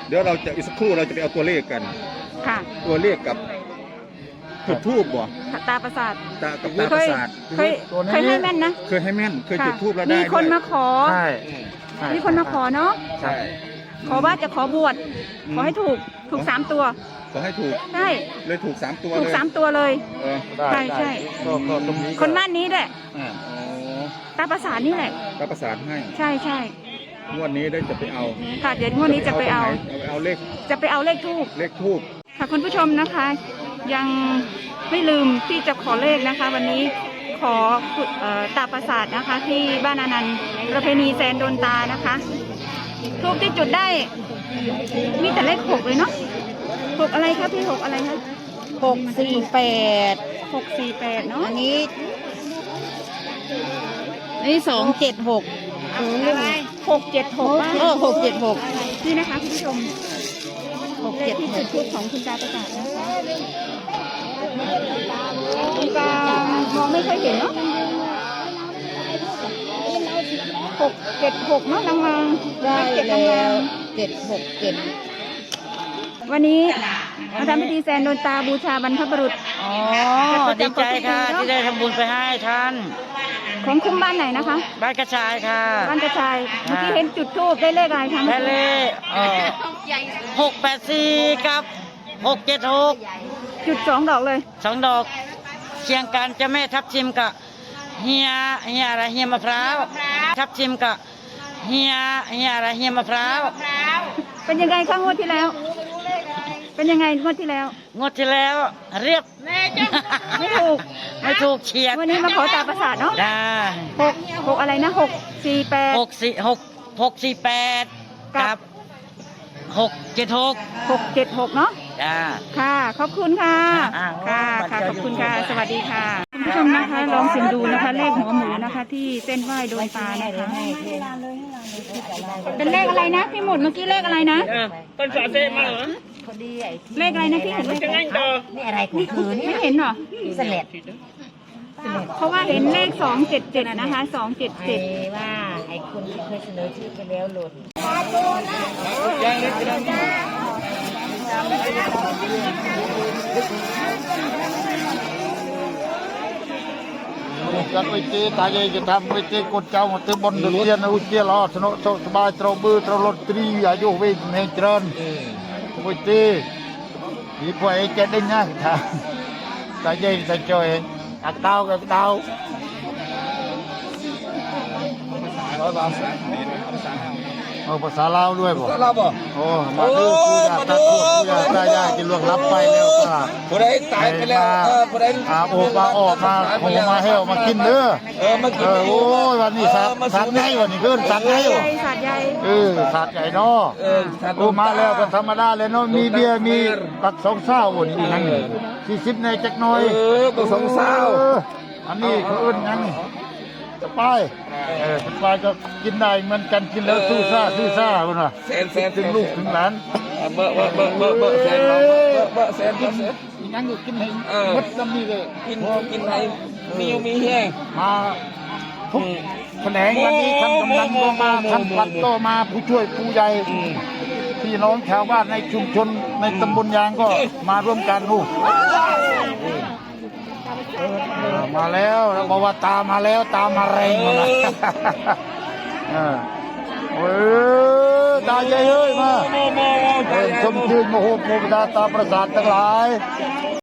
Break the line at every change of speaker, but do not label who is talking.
เดี๋ยวเราจะอีกสักครู่เราจะไปเอาตัวเลขกัน
ค่ะ
ตัวเลขกับจุดทูบบ่
ตาประสาท
ตากับตาประสาท
เคยให้แม่นนะ
เคยให้แม่นเคยจุด
ค่ะ
ทูบแล้วได้
มีคน
ด้วย
มาขอ
ใช่
มีคนมาขอเนาะ
ใช่
ขอว่าจะขอบวชขอให้ถูก3 ตัว
ขอให้ถูก
ใช่
เลยถูก3 ตัว
ถู
เล
ก
ย
3 ตัวเลย
เออ
ใช่ใช่
ก็ตรงนี้
คนบ้านนี้แหละ
อ๋อ
ตาประสาทนี่แหละ
ตาประสาทให้
ใช่ใช่
งวดนี้ได้จะไปเอา
ค่ะเดี๋ยวงวดนี้จะไปเอา
เอาเลข
จะไปเอาเลขทูบ
เลขทูบ
ค่ะคุณผู้ชมนะคะ ยังไม่ลืมที่จะขอเลขนะคะ วันนี้ขอตาประสาทนะคะ ที่บ้านอนันต์ประเพณีแซนโดนตานะคะทูบที่จุดได้ มีแต่เลข6เลยเนาะ6อะไรคะพี่6อะไรคะ
648
648เนาะ
อันนี้276
676บ้าง
676
นี่นะคะคุณผู้ชมเลขที่จุดทูบของคุณตาประสาทนะคะคุณตามองไม่ค่อยเห็นเนาะ676เนาะลางๆ
ได้
เจ็ด
แล้
ลาง
ว
ๆวันนี้มาทำพิธีแซนโดนตาบูชาบรรพบุรุษ
อ๋อดีใจค่ะที่ได้ทำบุญไปให้ท่าน
ของคุ้มบ้านไหนนะคะ
บ้านกระชายค่ะ
บ้านกระชายเมื่อกี้เห็นจุดทูบได้เลขอะไรคะ
แค่เลข684กับ676
จุด2 ดอกเลย
2 ดอกเคียงกันเจะแม่ทับทิมกับเฮียอะไรเฮียมะพร้าวทับทิมกับเฮียอะไรเฮียมะพร้าว
เป็นยังไงคะงวดที่แล้ว เป็นยังไงงวดที่แล้ว
งวดที่แล้วเรียบ
ไม่ถูก
ไม่ถูกเฉียด
วันนี้มาขอตาประสาทเนาะ
ได้
6อะไรนะ648
648กับ676
676เนาะ
จ้า
ค่ะ ขอบคุณค่ะ
อ่า
ค่ะ ค่ะ ขอบคุณค่ะ สวัสดีค่ะคุณผู้ชมนะคะ ลองเสิมดูนะคะ เลขหัวหมูนะคะ ที่เส้นไหว้โดนตานะคะ เป็นเลขอะไรนะพี่หมุดเมื่อกี้เลขอะไรนะ
เป็นฝาเซมาเหรอ
เลขอะไรนะพี่เห็นเลข
จะ
อะไร
งั้นต่อ
นี่อะไรของเธอเนี่ย
ไม่เห็นเหรอ
สเลด
เพราะว่าเห็นเลข277นะคะ277
ว่าไอ้คนที่เคยเสนอชื่อไปแล้วหล่น
กันไปเจตายจะทำไปเจกดเจ้ามาเติมบนดุเรียนอุเจียรอสนุกสบายตรบือตรลดตรีอายุเวทเมจรนไปเจมีพวกไอ้เจได้ง่ายท่าตายใจจอยอักดาวกับดาวเอาภาษาลาวด้วยบ่ลาวบ่โอ้มาดูกูอยากตัดพวกกูอยากได้ยากจะล่วงลับไปแล้วก็
ผู้ใดตายไปแล้วผู้ใด
โอ้มาออกมาโอ้มาเฮลมากินเด้อ
มากิน
โอ้ยวันนี้สัตว์ไงวันนี้เกินสัตว์ไง
ใหญ่สัตว์ใหญ่
สัตว์ใหญ่เนาะโอ้มาแล้วเป็นธรรมดาเลยเนาะมีเบียร์มีตัก2 เศร้าวันนี้นั่ง40ในจักหน่อย
บ่สงสาร
อันนี้เขาอื่นยังสปายสปายก็กินได้เหมือนกันกินแล้วสู้ซ่าคนน่ะ
แสน
ถึงลูกถึงหลาน
เบอร์แสนเบอร์แสน
ยังก็กินให้หมดน้ำนี่เลย
กินให้มีแห้ง
มาทุกแขนงวันนี้ท่านกำนันก็มาท่านปัดก็มาผู้ช่วยผู้ใหญ่พี่น้องชาวบ้านในชุมชนในตำบลยางก็มาร่วมกันลูกมาแล้วบอกว่าตามมาแล้วตามมาแรงมาโอ้ยตาใหญ่เฮ้ยมาชมชื่นโมโหโมบดาตาประสาททั้งหลาย